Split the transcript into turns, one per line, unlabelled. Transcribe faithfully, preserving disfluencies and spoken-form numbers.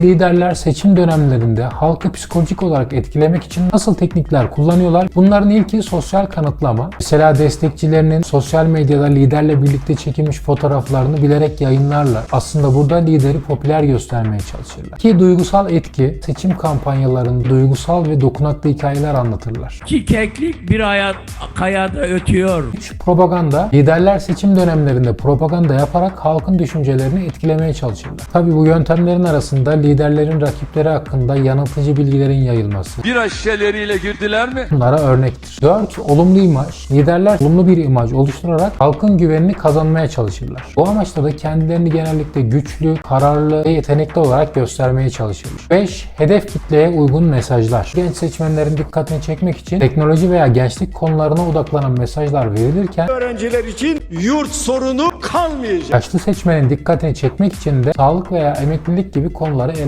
Liderler seçim dönemlerinde halkı psikolojik olarak etkilemek için nasıl teknikler kullanıyorlar? Bunların ilki sosyal kanıtlama. Mesela destekçilerinin sosyal medyada liderle birlikte çekilmiş fotoğraflarını bilerek yayınlarlar. Aslında burada lideri popüler göstermeye çalışırlar. Ki duygusal etki, seçim kampanyalarında duygusal ve dokunaklı hikayeler anlatırlar.
İki keklik bir hayat kayada ötüyor.
üç. Propaganda. Liderler seçim dönemlerinde propaganda yaparak halkın düşüncelerini etkilemeye çalışırlar. Tabii bu yöntemlerin arasında liderlerin rakipleri hakkında yanıltıcı bilgilerin yayılması.
Bira şişeleriyle girdiler mi?
Bunlara örnektir. dört. Olumlu imaj. Liderler olumlu bir imaj oluşturarak halkın güvenini kazanmaya çalışırlar. Bu amaçla da kendilerini genellikle güçlü, kararlı ve yetenekli olarak göstermeye çalışırlar. beş. Hedef kitleye uygun mesajlar. Genç seçmenlerin dikkatini çekmek için teknoloji veya gençlik konularına odaklanan mesajlar verilirken
Öğrenciler için yurt sorunu kalmayacak.
yaşlı seçmenin dikkatini çekmek için de sağlık veya emeklilik gibi konuları